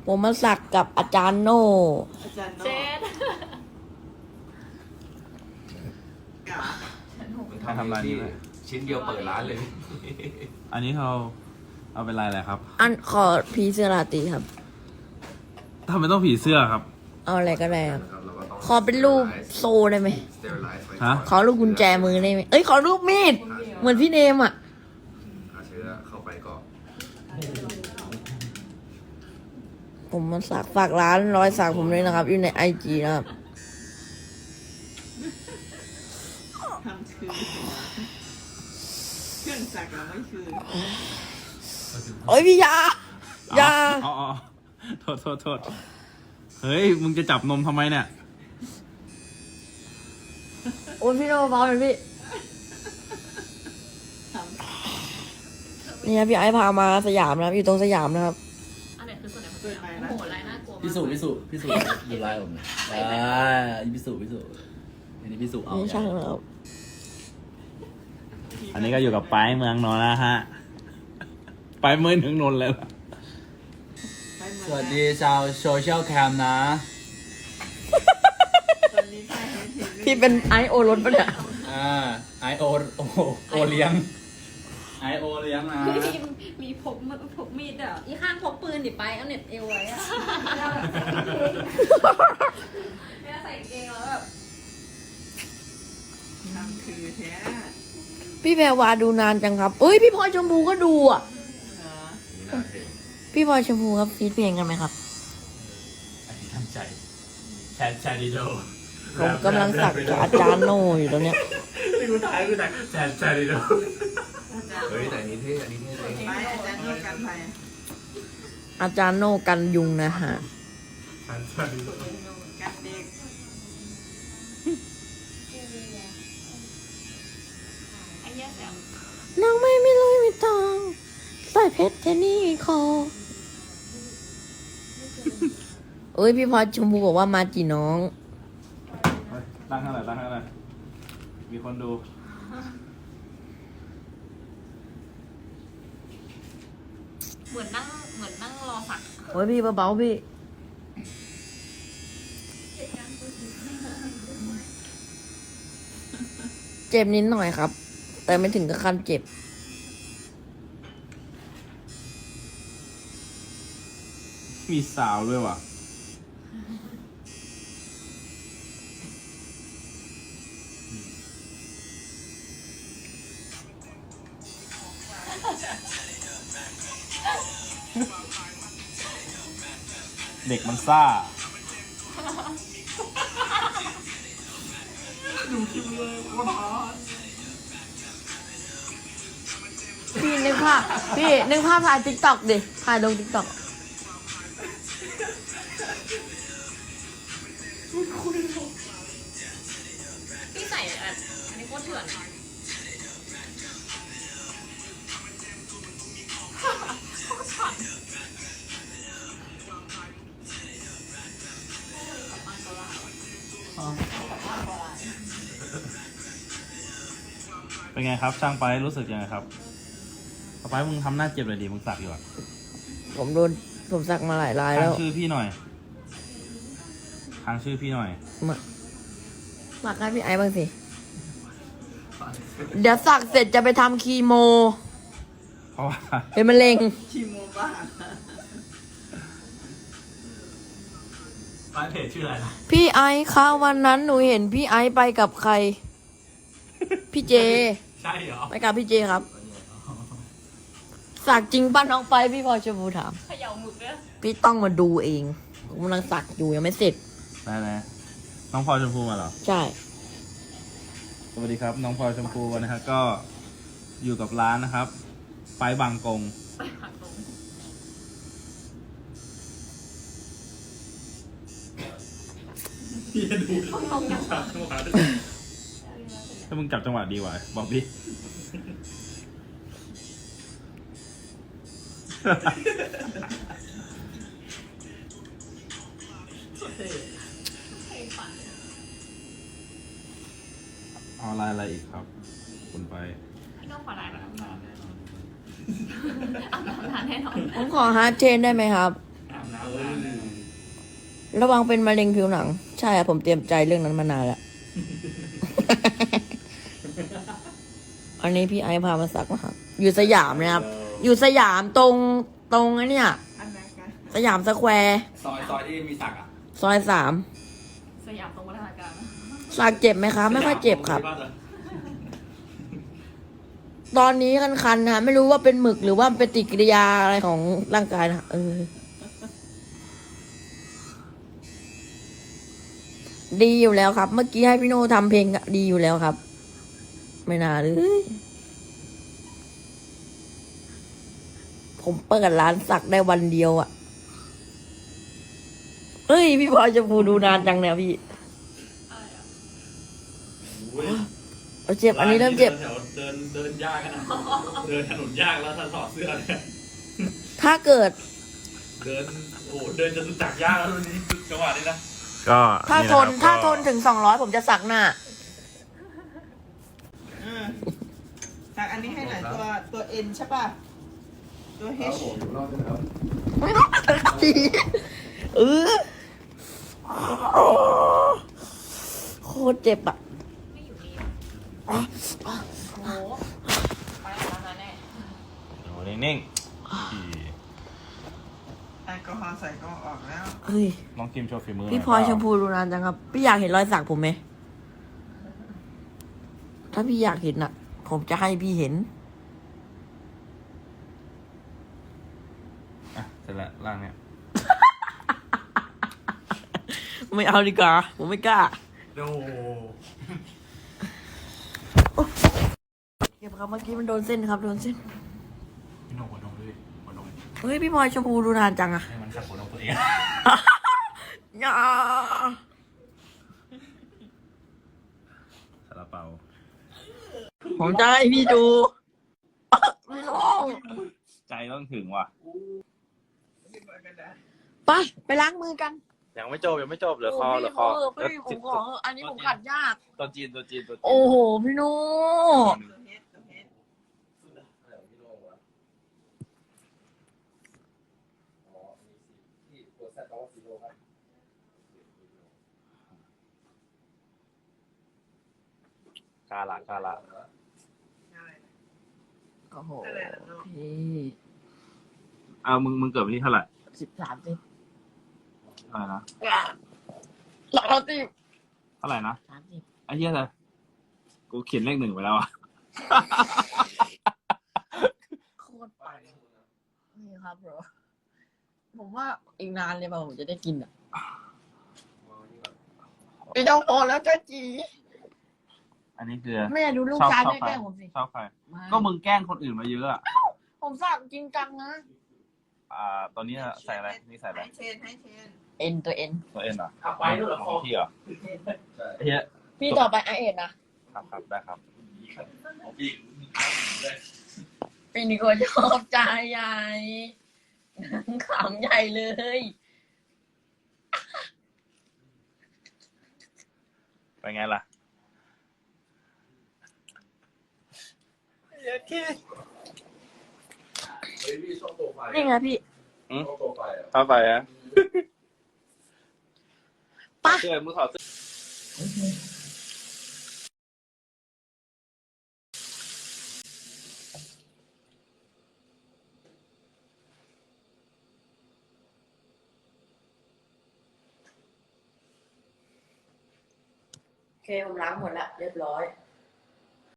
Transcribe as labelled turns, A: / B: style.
A: ผมมาสักกับอาจารย์โน่
B: อาจารย์โน่
C: เจ็ด
D: ทำร้านนี้ไหม
E: ชิ้นเดียวเปิดร้านเลย
D: อันนี้เขาเอาเป็นลายอะไรครับ
A: อันขอพีเสื้อราตรีครับ
D: ทำไมต้องผีเสื้อครับ
A: เอาอะไรก็ได้ครับ ขอเป็นรูปโซได้ไหม
D: ฮะ
A: ขอรูปกุญแจมือได้ไหมเอ้ยขอรูปมีด เหมือนพี่เนมอ่ะ
E: หาเชื้อเข้าไปก่อน
A: ผมมาสักฝากร้านรอยสักผมเลยนะครับ อยู่ในIGนะครับ
B: ทำคือเครื่องสักเราไม่คือ
A: โอ้ยพี่ยา ยา
D: อ๋อโทษ เฮ้ย มึงจะจับนมทำไมเนี่ย
A: โอ้ยพี่โนเบาหน่อยพี่
B: ทำ
A: นี่ครับพี่ไอซ์พามาสยามนะครับ อยู่ตรงสยามนะครับ
C: อันไหนคือส่วนไหนของตัวเองโอ้โหลายน่ากลัวมาก
F: พิสูจน์ดูลายผมนะพิสูจน์อันนี้พิสูจน์เอา
A: นี่ช่างนะครับ
D: อันนี้ก็อยู่กับไปเมืองนนท์นะฮะ ไปเมืองถึงนนท์เลยล่ะ
B: ไปเมือง
F: สวัสดีชาวโซเชียลแคมนะ
B: ตอนนี้ใครเห็น
A: พี่เป็นไอซ์โอรสปะเนี่ย
F: ไอโอเลี้ยงไอโอเลี้ยงนะ
C: มีพกมีดอ่ะอีข้างพกปืนดิไปเอาเน็ตเอวไว้อะเวลาใส่กางเกงแล้วแบบ
B: ทำคือแท้
A: พี่แพรวาดูนานจังครับเอ้ยพี่พลอยชมพูก็ดูอ่ะ
B: เหรอ
A: พี่พลอยชมพูครับฟีดเพลงกันไหมครับ
D: อันนี้ตั้งใจแชดิโด
A: ผมกำลังสักกับอาจารย์โน่อยู่ตรงเนี้ย
D: นี่กูถ่ายแชดิโด
B: อาจารย์
E: เฮ้ยแต่อันนี้เท่อันนี้เท่เลย
B: ไปอาจารย์โน่กันไป
A: อาจารย์โน่กันยุงนะฮะ
B: กันเด็ก
C: ไอ้เหี้ยแสบ
A: นางไม่เลยไม่ตองใส่เพชรแค่นี้คอเอ้ยพี่พลอยชมพูบอกว่ามาจีน้อง
D: ตั้งเท่าไหร่มีคนดู
C: เหมือนนั่งรอสัก
A: โอ้ยพี่เบาๆพี่ เจ็บนิดหน่อยครับ แต่ไม่ถึงกับขั้นเจ็บ
D: มีสาวด้วยว่ะ เด็กมันซ่า
A: พี่นึกภาพถ่ายติ๊กต็อกดิถ่ายลงติ๊กต็อก
C: พี่ใส่อันนี้โคตรเถื่อน
D: เป็นไงครับ ช่างไปรู้สึกยังไงครับต่อไปมึงทำหน้าเจ็บเลยดิมึงสักอยู่อ่ะ
A: ผมสักมาหลายราย
D: ค้า
A: แล้
D: ง
A: ว
D: ชื่อพี่หน่อยค้างชื่อพี่หน่อย
A: มาให้พี่ไอ้บ้างสิ เดี๋ยวสักเสร็จจะไปทำคีโม
D: เพราะว่า
A: เป็นมะเร็ง
B: ทีโมบ้า
D: ร้านเพจชื่ออะไรนะ
A: พี่ไอซ์คะวันนั้นหนูเห็นพี่ไอซ์ไปกับใคร พี่เจ
D: ใช่เหรอ
A: ไปกับพี่เจครับ สักจริงป้าน้องไปพี่พลอยชมพูถาม
C: เขย่าหมึกเนี่ย
A: พี่ต้องมาดูเองผมกำลังสักอยู่ยังไม่เสร็จ
D: ได้น้องพลอยชมพูมาเหรอ
A: ใช่
D: สวัสดีครับ น้องพลอยชมพูนะครับก็อยู่กับร้านนะครับ ไปบางกง
C: ไปหักตรง
D: ถ้ามึงจับจังหวะดีกว่าบอกดิ เอาอะไรอีกครับ คุณไป
C: พี่น้องขอลายแบบเอาน้ำนานแน่นอน
A: ผมขอฮาร์ดเชนได้ไหมครับ
D: อาบน้ำ
A: ระวังเป็นมะเร็งผิวหนัง ใช่ครับผมเตรียมใจเรื่องนั้นมานานแล้ว อันนี้พี่ไอซ์พามาสักนะครับอยู่สยามนะครับ อยู่สยามตรงไอ้เนี่ย
B: อันนั้นกัน
A: สยามสแควร์
E: ซอยที่มีสักอ่ะ
A: ซอย3
C: สยามตรงวัฒนาการนะ
A: สักเจ็บไหมคะไม่ค่อยเจ็บครับ ตอนนี้คันๆนะไม่รู้ว่าเป็นหมึกหรือว่าเป็นปฏิกิริยาอะไรของร่างกายนะดีอยู่แล้วครับ เมื่อกี้ให้พี่โน่ทำเพลงอะดีอยู่แล้วครับ ไม่น่าเลยผมเปิดร้านสักได้วันเดียวอะเฮ้ยพี่พลอยจะพูดูนานจังเนี่ยพี่เจ็บอันนี้เริ่มเจ็บ
F: แถวเดินยากกันนะเดินถนนยากแล้วถ้าถอดเสื้อเนี่ย
A: ถ้าเกิด
F: เดินโอ้โหเดินจนรู้จักยากแล้ววันนี้จังหวะนี้นะ
D: ก็
A: ถ้า
D: นี่
A: ท
D: ะ
A: น
D: ครับ
A: ถ้า
D: ก็
A: ทนถึง200ผมจะสักหน้า
B: สักอันนี้ให้หน่อยตัวเอ็นใช่ป่ะ ตัวเฮช
A: ไม่ต้องสักทีโคตรเจ็บอ่ะ
C: ไม่อยู่ดีโอ้โหไปแล้วนะแน่
D: โอ้นิ่ง
B: แอลกอฮอล์ใส่ก็ออกแล้ว
A: เฮ้ย
D: ๆน้องกิมโชว์ฝีมือ
A: พี่พลอยชมพูดูนานจังครับ พี่อยากเห็นรอยสักผมไหม ถ้าพี่อยากเห็นอ่ะ ผมจะให้พี่เห็น
D: อ่ะเสร็จแล้วล่างเนี่ย
A: ไม่เอาดีกว่า ผมไม่กล้า
D: โอ้
A: เก็บครับเมื่อกี้มันโดนเส้นครับโดนเส้น
D: พี่โน่หัวนมด้วยหัวนม
A: เฮ้ยพี่พลอยชมพูดูนานจังอะ
D: ให้มันขัดหัวนมตัวเอง
A: อย่า
D: ซาลาเปา
A: ผมจะให้พี่ดูไม่ต้อง
D: ใจต้องถึงว่ะ
A: ไปล้างมือกัน
D: ยังไม่จบเหลือคอเหลือคอ
A: พี่ผมขออันนี้ผมขัดยาก
D: ตัวจีน
A: โอ้โห พี่โน่
B: ตัวเฮชตัวเฮช
D: กาละ
B: อะไรนะ
A: โอ้โห
B: อะไรนะลูก
A: พี่
D: เอามึงเกิดวันที่เท่าไหร่
A: 13
D: อะไรนะ
A: 30
D: เท่าไหร่นะ
A: 30
D: ไอ้เหี้ยเลยกูเขียนเลข 1ไปแล้วอ่ะ
A: โคตรปังนี่ครับบรผมว่าอีกนานเลยป่ะผมจะได้กินอ่ะไม่ต้องพอแล้วจ้าจี
D: อันนี้คือ
A: แม่ดูลูกชายแม่แกล้งผมสิ
D: ชอบใคร
A: ไม่
D: ก็มึงแกล้งคนอื่นมาเยอะอ่ะ
A: ผมสั่งจริงจังนะ
D: ตอนนี้ใส่อะไร นี่ใส่อะไร
B: ให้เชนให้เชน
A: เอ็นตัวเอ็น
D: ตัวเอ็นเหรอ
F: เอาไปด้วยเหรอ
D: ของพี่เหรอไอ้เหี้ย
A: พี่ต่อไปไอเอ็นนะครับ
D: ได้ครับ
F: อีก
A: ปีนี้ก็ชอบใจใหญ่ขำใหญ่เลย
D: เป็นไงล่ะ
A: นี่ไงพี่
D: เข้าไปฮะ
A: ปะ
D: เสื้อมือถอดเสื้อ
A: โอเคผมล้างหมดแล้วเรียบร้อย